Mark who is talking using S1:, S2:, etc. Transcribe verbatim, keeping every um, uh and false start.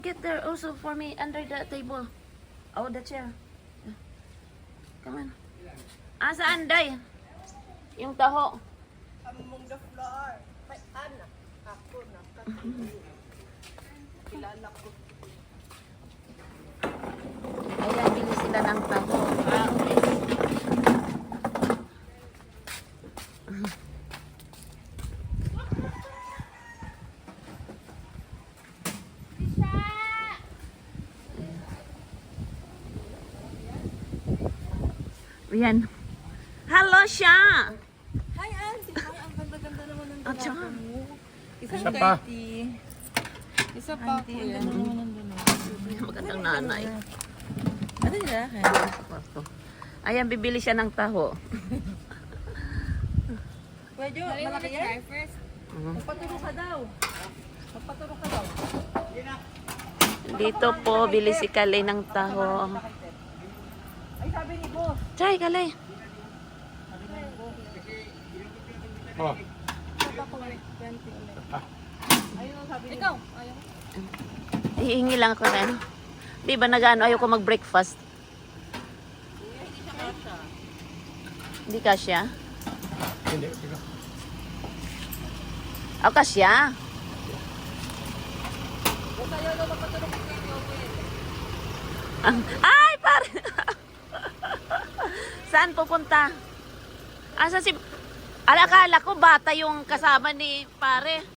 S1: Get there also for me under the table. Oh, the chair. Come on. Ah, saan, Day? Yung taho.
S2: Among the floor. May anak. Ako na. Kilala ko.
S1: Ayan, bili sila ng taho. Ah, okay. Ayan. Hello, siya!
S2: Hi, Auntie. Ay, ang ganda-ganda naman ng
S1: At saka,
S2: dalawa mo. Isang
S3: Isa pa.
S2: thirty. Isa pa po yan. Ang ganda naman ng dalawa.
S1: magandang nanay.
S2: Ano nila?
S1: Sa kwarto. Ayan, bibili siya ng taho.
S2: Pwede, malaki yan?
S1: Mhm.
S2: Magpaturo ka daw. Magpaturo ka daw.
S1: Dito po, bili si Kalay ng taho.
S2: Ay, sabi ni boss.
S1: Chay, Kalay.
S3: Oh,
S2: twenty ulit. Ayun ang sabi ni
S4: Ikaw,
S2: boss.
S4: ayaw.
S1: Hihingi lang ako na ano. Di ba nag-ano, ayaw ko mag-breakfast. Hindi kasya?
S3: hindi. Sige.
S1: O, kasya?
S2: Basta ayaw daw magpaturo kay Kuya Joel.
S1: Ay, pare! Saan pupunta? Asa si... Alakala ko bata yung kasama ni pare.